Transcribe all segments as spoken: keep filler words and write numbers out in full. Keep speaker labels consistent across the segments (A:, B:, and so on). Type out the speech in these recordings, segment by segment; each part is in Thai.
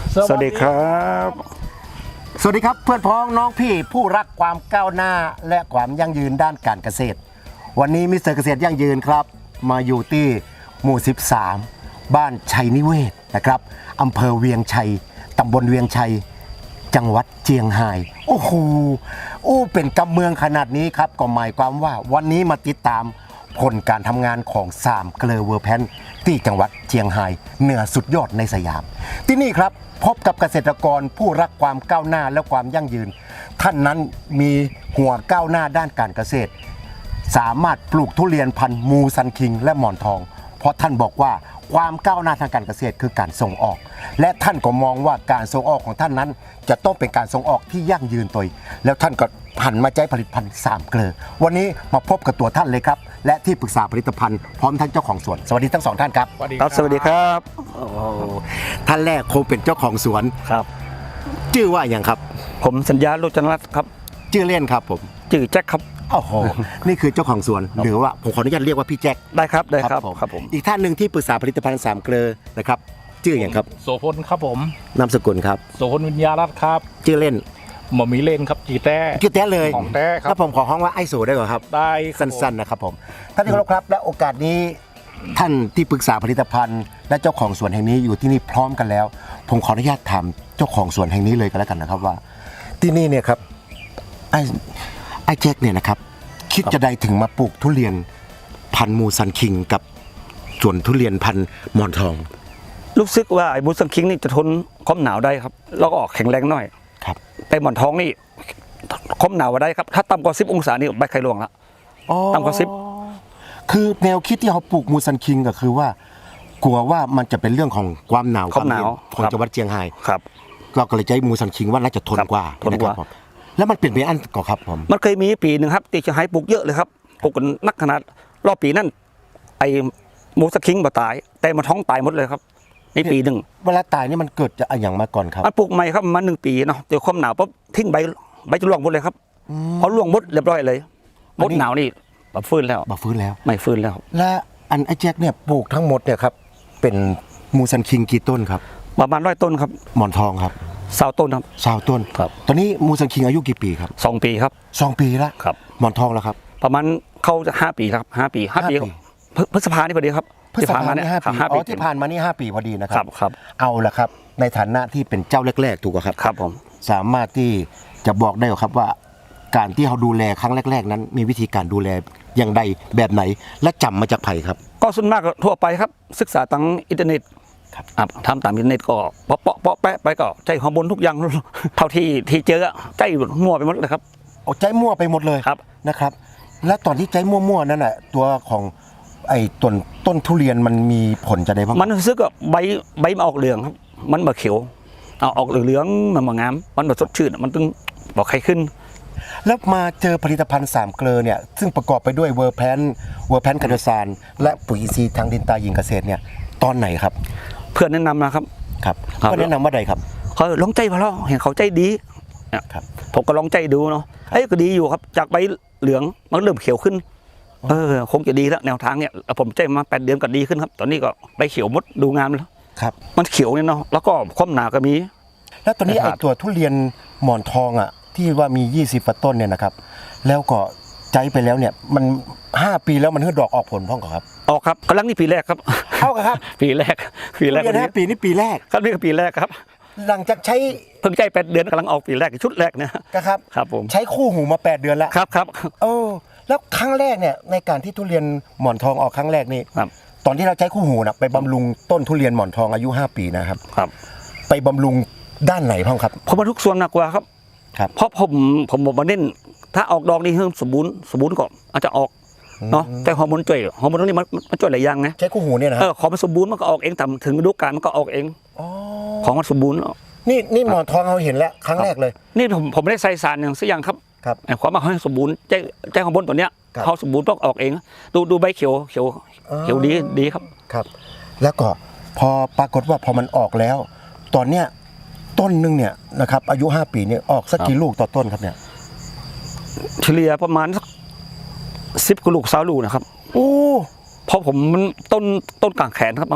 A: สวัสดีครับ
B: สวัสดีครับเพื่อนพ้องน้องพี่ผู้รักความก้าวหน้าและความยั่งยืนด้านการเกษตรวันนี้มิสเตอร์เกษตรยั่งยืนครับมาอยู่ที่หมู่สิบสามบ้านชัยนิเวศนะครับอำเภอเวียงชัยตำบลเวียงชัยจังหวัดเจียงไฮ้โอ้โหโอ้เป็นกำเมืองขนาดนี้ครับก็หมายความว่าวันนี้มาติดตามผลการทำงานของสามเกลอเวอร์แพนที่จังหวัดเจียงไฮ้เหนือสุดยอดในสยามที่นี่ครับพบกับเกษตรกรผู้รักความก้าวหน้าและความยั่งยืนท่านนั้นมีหัวก้าวหน้าด้านการเกษตรสามารถปลูกทุเรียนพันธุ์มูซันคิงและหมอนทองเพราะท่านบอกว่าความก้าวหน้าทางการเกษตรคือการส่งออกและท่านก็มองว่าการส่งออกของท่านนั้นจะต้องเป็นการส่งออกที่ยั่งยืนตัวแล้วท่านก็หันมาใช้ผลิตภัณฑ์สามเกลอวันนี้มาพบกับตัวท่านเลยครับและที่ปรึกษาผลิตภัณฑ์พร้อมทั้งเจ้าของสวนสวัสดีทั้งสองท่านครับ
A: ครับสวัสดีครับ
B: ท่านแรกคงเป็นเจ้าของสวน
A: ครับ
B: ชื่อว่าอย่างครับ
A: ผมสัญญาโรจนรัตน์ครับ
B: ชื่อเล่นครับผม
A: จื่อแจ็คครับ
B: โอ้โหนี่คือเจ้าของสวนหรือว่าผมขออนุญาตเรียกว่าพี่แจ็ค
A: ได้ครับได้ครับครับผม
B: อีกท่านหนึ่งที่ปรึกษาผลิตภัณฑ์สามเกลอนะครับชื่ออย่างครับ
C: โสพลครับผม
B: นามสกุลครับ
C: โสพลวิญญารัตน์ครับ
B: ชื่อเล่น
C: หมอมีเล่นครับจีแต้
B: ชื่อแต้เลย
C: ของแต้ครับ
B: แล้วผมขอห้องว่าไอ้โสได้ก่อนครับ
C: ได้ค
B: สั
C: รับผม
B: ้นๆนะครับผมท่านที่เคารพครับและโอกาสนี้ท่านที่ปรึกษาผลิตภัณฑ์ และเจ้าของสวนแห่งนี้อยู่ที่นี่พร้อมกันแล้ว ผมขออนุญาตถามเจ้าของสวนแห่งนี้เลยกันแล้วกันนะครับว่าที่นี่เนี่ยครับไอ้ไอ้แจ็คเนี่ยนะครับคิดจะได้ถึงมาปลูกทุเรียนพันธุ์มูซันคิงกับสวนทุเรียนพันธุ์หมอนทอง
A: รู้สึกว่าไอ้บูสังคิงนี่จะทนความหนาวได้ครับแล้วก็ออกแข็งแรงหน่อย
B: ครับ
A: แต่หมอนทองนี่ความหนาวได้ครับถ้าต่ำกว่าสิบองศานี่ใบไข่ร่วงละ ต่ำกว่าสิบ
B: คือแนวคิดที่เขาปลูกมูซันคิงก็คือว่ากลัวว่ามันจะเป็นเรื่องของความหนาว
A: ความหนาว
B: เย็ของจังหวัดเชียงไฮ้
A: ครับ
B: เราก็เลยใช้มูซันคิงว่าน่าจะทนกว่า
A: ทนกว่า
B: ะครับผมแล้วมันเปลี่ยนไปอันก่อนครับผม
A: มันเคยมีปีหนึ่งครับที่จะให้ปลูกเยอะเลยครับปลูกกันนักขนาดรอบปีนั่นไอ้บูสังคิงบ่ตาย แต่หมอนทองตายหมดเลยครับในปีหนึ่ง
B: เวลาตายนี่มันเกิดจากอะไรอย่างมาก่อนครับ
A: มันปลูกใหม่ครับมาหนึ่งปีเนาะเดี๋ยวความหนาวปุ๊บทิ้งใบใบจะร่วงหมดเลยครับพอร่วงหมดเรียบร้อยเลยหมดหนาวนี่แบบฟื้นแล้ว
B: บ่ฟื้นแล้ว
A: ไม่ฟื้นแล้ว
B: และอันไอ้แจ็คเนี่ยปลูกทั้งหมดเนี่ยครับเป็นมูซันคิงกี่ต้นครับ
A: ประมาณร้อยต้นครับ
B: หมอนทองครับ
A: สาวต้นครับ
B: สาวต้น
A: ครับ
B: ตอนนี้มูซันคิงอายุกี่ปีครับ
A: สองปีครับ
B: สองปีแล้ว
A: ครับ
B: หมอนทองแล้วครับ
A: ประมาณเข้าจะห้าปีครับห้าปีห้าปี
B: ห้าปี
A: พฤพฤษภานี่พอดีครับ
B: พฤษภา
A: ที่
B: นี่
A: เนี่ย
B: ห้าปี
A: ห้า
B: อ๋
A: ปี
B: อที่ผ่านมานี่ห้าปีพอดีนะค
A: ค
B: รั
A: รับครับ
B: เอาละครับในฐานะที่เป็นเจ้าแรกๆถูกไหมครับ
A: ครับผม
B: สามารถที่จะบอกได้ครับว่าการที่เขาดูแลครั้งแรก ๆ นั้น มีวิธีการดูแลอย่างใดแบบไหนและจำมาจากไผ่ครับ
A: ก็ส่วนมากก็ทั่วไปครับศึกษาทางอินเทอร์เน็ต
B: ครับ
A: อ่ะทำตามอินเทอร์เน็ตก็เปาะเปาะเปาะแปะไปก็ใจฮอร์โมนทุกอย่าง เท่าที่ที่เจออะใจมั่วไปหมดเลยครับ
B: เอาใจมั่วไปหมดเลย
A: ครับ
B: นะครับ และตอนที่ใจมั่วๆนั่นแหละตัวของไอ้ต้นต้นทุเรียนมันมีผลจะได้บ้าง
A: มันรู้สึกว่าใบใบมันออกเหลืองครับ มันมาเขียวเอาออกเหลืองๆมันมางามมันแบบสดชื่นมันต้องบอกใครขึ้น
B: แล้วมาเจอผลิตภัณฑ์สามเกลอเนี่ยซึ่งประกอบไปด้วยเวอร์แพนเวอร์แพนคาร์โดซานและปุ๋ยอินทรีย์ทางดินตาหญิงเกษตรเนี่ยตอนไหนครับ
A: เพื่อนแนะนำนะครับ
B: ครับ
A: ครับ
B: ก็แนะนำว่าใดครับ
A: เขาลองใจพอแล้วเห็นเขาใจดีเนี่ย
B: ครับ
A: ผมก็ลองใจดูเนาะเอ้ยก็ดีอยู่ครับจากใบเหลืองมันเริ่มเขียวขึ้นเออคงจะดีแล้วแนวทางเนี่ยผมใจมาแปดเดือนก็ดีขึ้นครับ ตอนนี้ก็ใบเขียวมดดูงามแล้ว
B: ครับ
A: มันเขียวเนี่ยเนาะแล้วก็ความหนาก็มี
B: แล้วตอนนี้
A: ครั
B: ไอ้
A: บ
B: ตัวทุเรียนหมอนทองอ่ะที่ว่ามียี่สิบกว่าต้นเนี่ยนะครับแล้วก็ใจไปแล้วเนี่ยมันห้าปีแล้วมันเพิ่งดอกออกผลพ่องก่อนครับ
A: ออกครับกำลังนี่ปีแรกครับ
B: เอาครับ
A: ปีแรกปีแรก
B: ทุเรียนห้าปีนี่ปีแรก
A: ครับนี่ก็ปีแรกครับ
B: หลังจากใช้
A: เพิ่งใจแปดเดือนกำลังออกปีแรกชุดแรกเนี่ย
B: นะครับ
A: ครับผม
B: ใช้คู่หูมาแปดเดือนแล้ว
A: ครับครับ
B: โอ้แล้วครั้งแรกเนี่ยในการที่ทุเรียนหมอนทองออกครั้งแรกนี่
A: ครับ
B: ตอนที่เราใช้คู่หูนะไปบำรุงต้นทุเรียนหมอนทองอายุห้าปีนะครับ
A: ครับ
B: ไปบำรุงด้านไหนพ่องครับ
A: ผมมาทุกส่วนหนักกว่าครับ
B: ครับ
A: เพราะผมผมบอกมาเน้นถ้าออกดอกนี่เพิ่มสมบูรณ์สมบูรณ์ก่อนอาจจะออกเนาะแต่ฮอร์โมนช่วยฮอร์โมนตรงนี้มันมันช่วยหลายอย่างนะ
B: ใช้คู่หูเนี่ยนะค
A: เอ
B: รับ
A: อของมันสมบูรณ์มันก็ออกเองแต่ถึงฤดูกาลมันก็ออกเอง
B: อ๋อ
A: ของมันสมบูรณ์
B: นี่นี่หมอนทองเราเห็นแล้วครั้งแรกเลย
A: นี่ผมผมไม่ได้ใส่สารอย่างสักอย่างครับ
B: ครับ
A: ไอ้ความมาให้สมบูรณ์ใจใจฮอร์โมนตัวเนี้ย
B: ครับ
A: เขาสมบูรณ์ต้องออกเองดูดูใบเขียวเขียว
B: อ๋อ
A: เขียวดีดีครับ
B: ครับ แล้วก็พอปรากฏว่าพอมันออกแล้ว ตอนเนี้ยต้นหนึงเนี่ยนะครับอายุห้าปีเนี่ยออกสักกี่ลูกต่อต้นครับเนี่ย
A: เฉลี่ยประมาณสักสิบกว่าลูกสาวลูกนะครับ
B: โอ้
A: เพราะผมมันต้นต้นกลางแขนครับ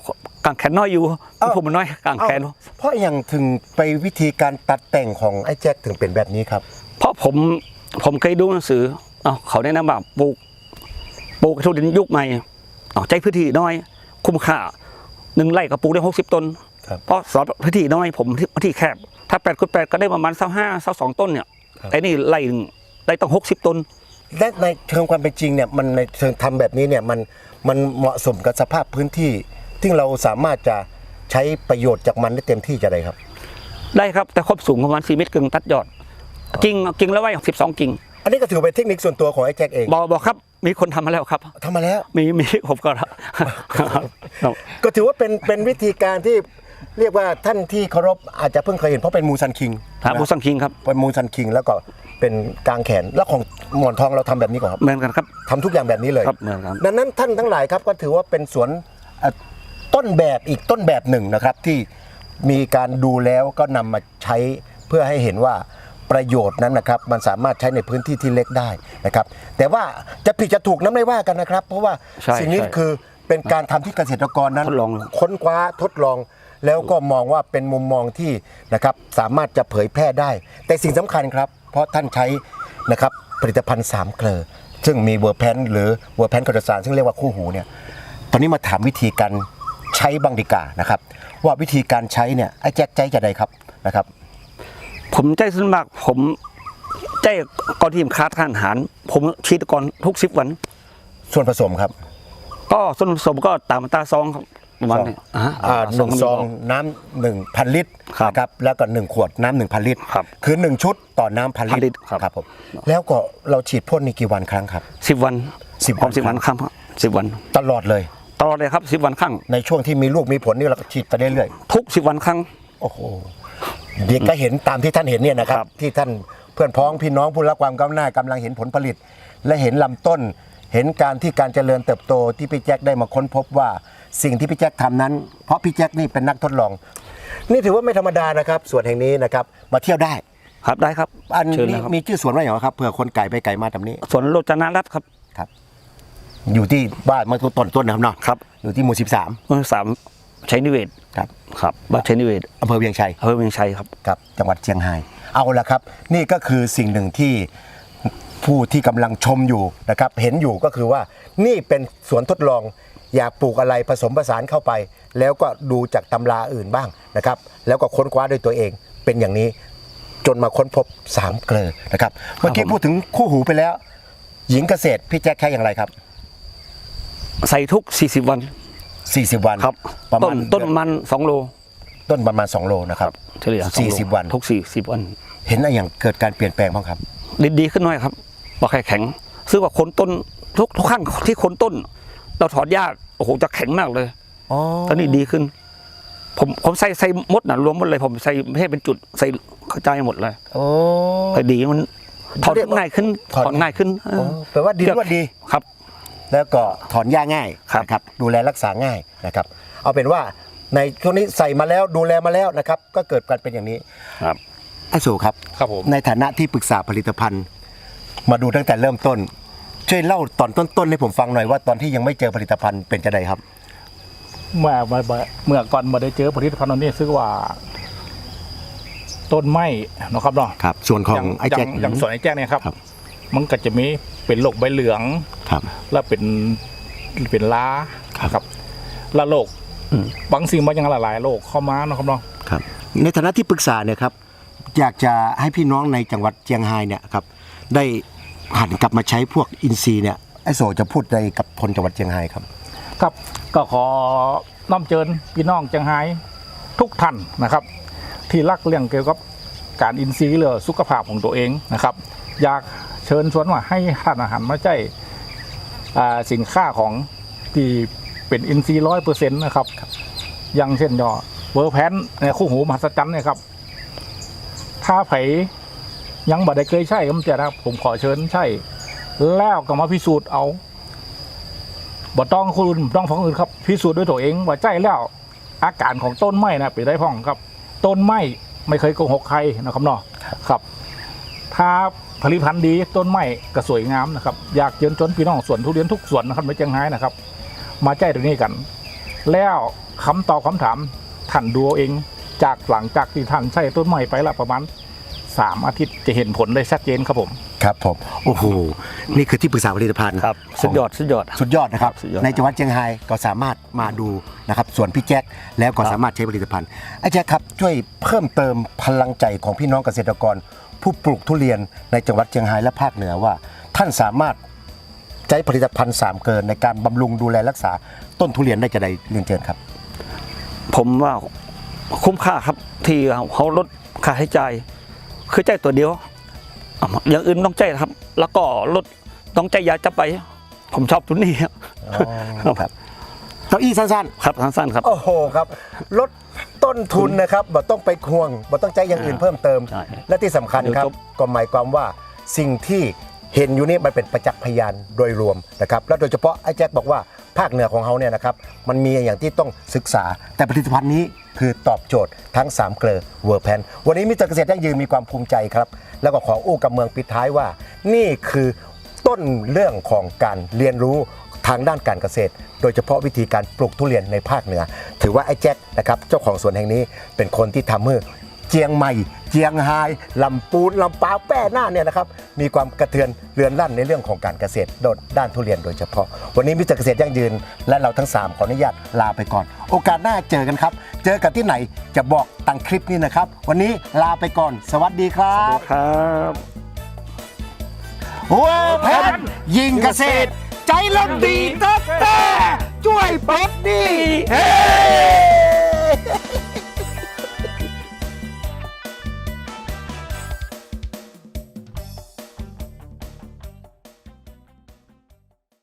A: กางแขนน้อยอยู่ผมมันน้อยกางแขน
B: เอ้าเพราะอย่างถึงไปวิธีการตัดแต่งของไอ้แจ็คถึงเป็นแบบนี้ครับ
A: เพราะผมผมเคยดูหนังสือเอาเขาแนะนำว่าปลูกปลูกทุเรียนยุคใหม่เอาใจพื้นที่น้อยคุ้มค่าหนึ่งไร่ก็ปลูกได้หกสิบต้น
B: ครับ
A: เพราะสอนพื้นที่น้อยผมพื้นที่แคบถ้าแปดคูณแปดก็ได้ประมาณสักห้าสักสองต้นเนี่ย
B: ครับ
A: ไอ้นี่ไร่หนึ่งได้ต้องหกสิบต้น
B: และในเชิงความเป็นจริงเนี่ยมันในเชิงทำแบบนี้เนี่ยมันมันเหมาะสมกับสภาพพื้นที่ที่เราสามารถจะใช้ประโยชน์จากมันได้เต็มที่จะได้ครับ
A: ได้ครับแต่ครบสูงประมาณสี่เมตรกึ่งตัดยอดกิ่งกิ่งแล้วไว้สิบสองกิ่ง
B: อันนี้ก็ถือเป็นเทคนิคส่วนตัวของไอ้แจ็คเอง
A: บอกบอกครับมีคนทำมาแล้วครับ
B: ทำมาแล้ว
A: มีมีผมก็ครับ
B: ก็ถือว่าเป็นเป็นวิธีการที่เรียกว่าท่านที่เคารพอาจจะเพิ่งเคยเห็นเพราะเป็นมูซันคิง
A: ครับมูซังคิงครับ
B: เป็นมูซันคิงแล้วก็เป็นกางแขนแล้วของหมอนทองเราทำแบบนี้ก่อนครับ
A: เหมือนกันครับ
B: ทำทุกอย่างแบบนี้เลย
A: ครับเหมือนกัน
B: ดังนั้นท่านทั้งหลายครับก็ถือว่าเป็นสวนเอ่อต้นแบบอีกต้นแบบหนึ่งนะครับที่มีการดูแล้วก็นำมาใช้เพื่อให้เห็นว่าประโยชน์นั้นนะครับมันสามารถใช้ในพื้นที่ที่เล็กได้นะครับแต่ว่าจะผิดจะถูกนั้นไม่ว่ากันนะครับ เพราะว่า
A: ใช่
B: สิ่งนี้
A: ใช่
B: คือเป็นการทำที่เกษตรกรนั้น
A: ทดลอง
B: ค้นคว้าทดลอง แล้วก็มองว่าเป็นมุมมองที่นะครับสามารถจะเผยแพร่ได้ แต่สิ่งสำคัญครับ เพราะท่านใช้นะครับผลิตภัณฑ์สามเกลอซึ่งมีเวอร์แพนหรือเวอร์แพนคอร์ดซานซึ่งเรียกว่าคู่หูเนี่ยตอนนี้มาถามวิธีการใช้บ้างดีกว่านะครับว่าวิธีการใช้เนี่ยไอ้แจ็คใจจะใดครับนะครับ
A: ผมใจส่วนมากผมใจก่อนที่ผมคาดการอาหาร ผมฉีดก่อนทุกสิบวัน
B: ส่วนผสมครับ
A: ก็ส่วนผสมก็ตามอัตราซองครับประมาณนี้อ่า
B: อ่าหนึ่งซอง
A: ก็
B: น้ำหนึ่งพันลิตร
A: ครับ
B: นะครับแล้วก็หนึ่งขวดน้ำหนึ่งพันลิตร
A: ครับ
B: คือหนึ่งชุดต่อน้ำพัน
A: พันลิ
B: ลิ
A: ต
B: ต
A: ร
B: ร
A: ครับ
B: ครับผมแล้วก็เราฉีดพ่นนี่กี่วันครั้งครับ
A: สิบวัน
B: สิบ
A: พร้อม
B: วัน
A: สิบวันครั้งสิบวัน
B: ตลอดเลย
A: ตลอดเลยครับสิบวันครั้ง
B: ในช่วงที่มีลูกมีผลนี่เราก็ฉีดไปเรื่อย
A: ทุกสิบวันครั้ง
B: ๆโอ้โหเด็กก็เห็นตามที่ท่านเห็นเนี่ยนะครับ
A: ครับ
B: ที่ท่านเพื่อนพ้องพี่น้องผู้รักความก้าวหน้ากำลังเห็นผลผลิต และเห็นลำต้น เห็นการที่การเจริญเติบโตที่พี่แจ็คได้มาค้นพบว่าสิ่งที่พี่แจ็คทำนั้น เพราะพี่แจ็คนี่เป็นนักทดลอง นี่ถือว่าไม่ธรรมดานะครับส่วนแห่งนี้นะครับมาเที่ยวได้
A: ครับได้ครับ
B: อัน
A: เชิญ
B: นี้
A: เลยครับ
B: มีชื่อสวนว่าอย่างไรครับเผื่อคนไก่ไปไก่มาตรงนี้
A: สวนโรจนารัตน์ครับ
B: ครับ อยู่ที่บ้านเมื่อต้นต้นนะครับเนาะ
A: ครับ
B: อยู่ที่หมู่สิบสาม
A: เมืองสามชัยนิเวศ
B: ครับ
A: ครับบ้านชัยนิเวศ
B: อำเภอเวียงชัย
A: อำเภอเมืองชัยครับ
B: ครับจังหวัดเชียงรายเอาละครับ นี่ก็คือสิ่งหนึ่งที่ผู้ที่กำลังชมอยู่นะครับเห็นอยู่ก็คือว่านี่เป็นสวนทดลองอยากปลูกอะไรผสมผสานเข้าไป แล้วก็ดูจากตำราอื่นบ้างนะครับแล้วก็ค้นคว้าด้วยตัวเองเป็นอย่างนี้จนมาค้นพบสามเกลอนะครับเมื่อกี้พูดถึงคู่หูไปแล้ว หญิงเกษตรพี่แจ็คแค่อย่างไรครับ
A: ใส่ทุกสี่สิบวัน
B: สี่สิบวัน
A: ครับ
B: ประ
A: ต้
B: มาน ณ
A: ต้นประมาณสองโล
B: ต้นประมาณสองโลนะครับ
A: เฉลี่ยองโล
B: สี่สิบวัน
A: ทุกสี่สิบวัน
B: เห็นอะไรอย่างเกิดการเปลี่ยนแปลงบ้างครับ
A: ดีดีขึ้นหน่อยครับบอกแข็งแข็งซึ่งว่าคนต้นทุกทุกครั้งที่คนต้น เราถอนหญ้าโอ้โหจะแข็งมากเลย
B: อ๋อ
A: ตอนนี้ดีขึ้น ผมผมใส่ใส่มดนะรวมหมดเลยผมใส่ไม่ให้เป็นจุดใส่กระจายหมดเลย
B: โอ้
A: พอดีมันถอน
B: เรียกว่า
A: ง่ายขึ้น
B: ถอน
A: ถอนง่ายขึ้นเออ
B: แปลว่าดินว่าดี
A: ครับ
B: แล้วก็ถอนหญ้าง่าย
A: ครับ
B: นะครับดูแลรักษาง่ายนะครับ เอาเป็นว่าในช่วงนี้ใส่มาแล้วดูแลมาแล้วนะครับ ก็เกิดการเป็นอย่างนี้
A: ครับ
B: ไอ้สูครับ
C: ครับผม
B: ในฐานะที่ปรึกษาผลิตภัณฑ์ มาดูตั้งแต่เริ่มต้น ช่วยเล่าตอนต้นๆให้ผมฟังหน่อยว่าตอนที่ยังไม่เจอผลิตภัณฑ์เป็นจะไดครับ
C: เมื่อเมื่อเมื่อก่อนมาได้เจอผลิตภัณฑ์อันนี้ซึ่งว่า ต้นไม้เนาะครับเนาะ
B: ครับ ส่วนของ
C: ย่าง
B: ไอ้แจ็ค
C: อย่างอย่างส่วนไอ้แจ็คเนี่ยครับ
B: ครับ
C: มันก็จะมีเป็นโรคใบเหลือง
B: ครับ
C: แล้วเป็นเป็นล้า
B: ครับ
C: ครับและโรคบางสิ่งบางอย่างหลายๆโรคเข้ามาเนาะครับเนาะ
B: ครับในฐานะที่ปรึกษาเนี่ยครับอยากจะให้พี่น้องในจังหวัดเชียงรายเนี่ยครับได้หันกลับมาใช้พวกอินทรีย์เนี่ยไอ้โสจะพูดอะไรกับคนจังหวัดเชียงรายครับ
C: ครับก็ขอน้อมเชิญพี่น้องเชียงรายทุกท่านนะครับ ที่รักเรื่องเกี่ยวกับการอินทรีย์หรือสุขภาพของตัวเองนะครับ อยากเชิญชวนว่าให้ท่านอาหารมาใช้อ่าสินค้าของที่เป็นอินทรีย์ร้อยเปอร์เซ็นต์นะครับอย่างเช่นยอเวอร์แพนในคู่หูมหัศจรรย์เนี่ยครับ ถ้าไผยังบ่ได้เคยใช้ก็มันจะนะครับผมขอเชิญใช้แล้วก็มาพิสูจน์เอาบ่ต้องคนอื่นบ่ต้องของอื่นครับพิสูจน์ด้วยตัวเองว่าใช้แล้วอาการของต้นไม้นะเป็นได้พ่องครับ ต้นไม้ไม่เคยโกหกใครนะครับเนาะครับ ถ้าผลิตภัณฑ์ดีต้นไม้ก็สวยงามนะครับอยากเชิญชวนพี่น้องสวนทุเรียนทุกสวนนะครับในเชียงรายนะครับ มาใช้ตรงนี้กัน แล้วคำตอบคำถามท่านดูเอาเองจากหลังจากที่ท่านใช้ต้นไม้ไปละประมาณสามอาทิตย์จะเห็นผลได้ชัดเจนครับผม
B: ครับผมโอ้โหนี่คือที่ปรึกษาผลิตภัณฑ์
A: ครับสุดยอดสุดยอด
B: สุดยอดนะครับ
A: สุดยอด
B: ในจังหวัดเชียงรายก็สามารถมาดูนะครับส่วนพี่แจ็คแล้วก็
A: ครับ
B: สามารถใช้ผลิตภัณฑ์ไอ้แจ็คครับช่วยเพิ่มเติมพลังใจของพี่น้องเกษตรกร ผู้ปลูกทุเรียนในจังหวัดเชียงรายและภาคเหนือว่า ท่านสามารถใช้ผลิตภัณฑ์สามเกินในการบำรุงดูแลรักษาต้นทุเรียนได้จะได้เรียนเชิญครับ
A: ผมว่าคุ้มค่าครับที่เขาลดค่าใช้จ่ายคือใจายตัวเดียวอ่ะอย่างอื่นต้องใจายนะครับ แล้วก็ลดต้องใจายยาจะไป ผมชอบตัวนี้ครับ
B: ครับเก้าอี้สั้น
A: ครับสั้นๆครับ
B: ๆ โอ้โหครับลดต้นทุนนะครับบ่ต้องไปควงบ่ต้องใจอย่างอื่นเพิ่มเติม
A: ใช่
B: และที่สำคัญครับ
A: เดี๋ยวจบ
B: ก็หมายความว่าสิ่งที่เห็นอยู่นี่มันเป็นประจักษ์พยานโดยรวมนะครับและโดยเฉพาะไอ้แจ็คบอกว่าภาคเหนือของเขาเนี่ยนะครับมันมีอย่างที่ต้องศึกษา แต่ผลิตภัณฑ์นี้คือตอบโจทย์ทั้งสามเกลือเวอร์แพนวันนี้มิสเตอร์เกษตรยั่งยืนมีความภูมิใจครับแล้วก็ขออู้กับเมืองปิดท้ายว่า นี่คือต้นเรื่องของการเรียนรู้ทางด้านการเกษตร โดยเฉพาะวิธีการปลูกทุเรียนในภาคเหนือ ถือว่าไอ้แจ็คนะครับเจ้าของสวนแห่งนี้เป็นคนที่ทำให้เจียงใหม่ เจียงไฮ้ลำปูนลำปาวแป้น่านเนี่ยนะครับมีความกระเทือนเรือนลั่นในเรื่องของการเกษตรด้านทุเรียนโดยเฉพาะ วันนี้มิสเตอร์เกษตรยั่งยืนและเราทั้งสามขออนุญาตลาไปก่อน โอกาสหน้าเจอกันครับ เจอกันที่ไหนจะบอกตังคลิปนี้นะครับ วันนี้ลาไปก่อน สวัสดีครับ
A: ครับ
B: เวอร์แพนยิงเกษตร ใจลมดีตั้งแต่ช่วยปลดหนี้เฮ้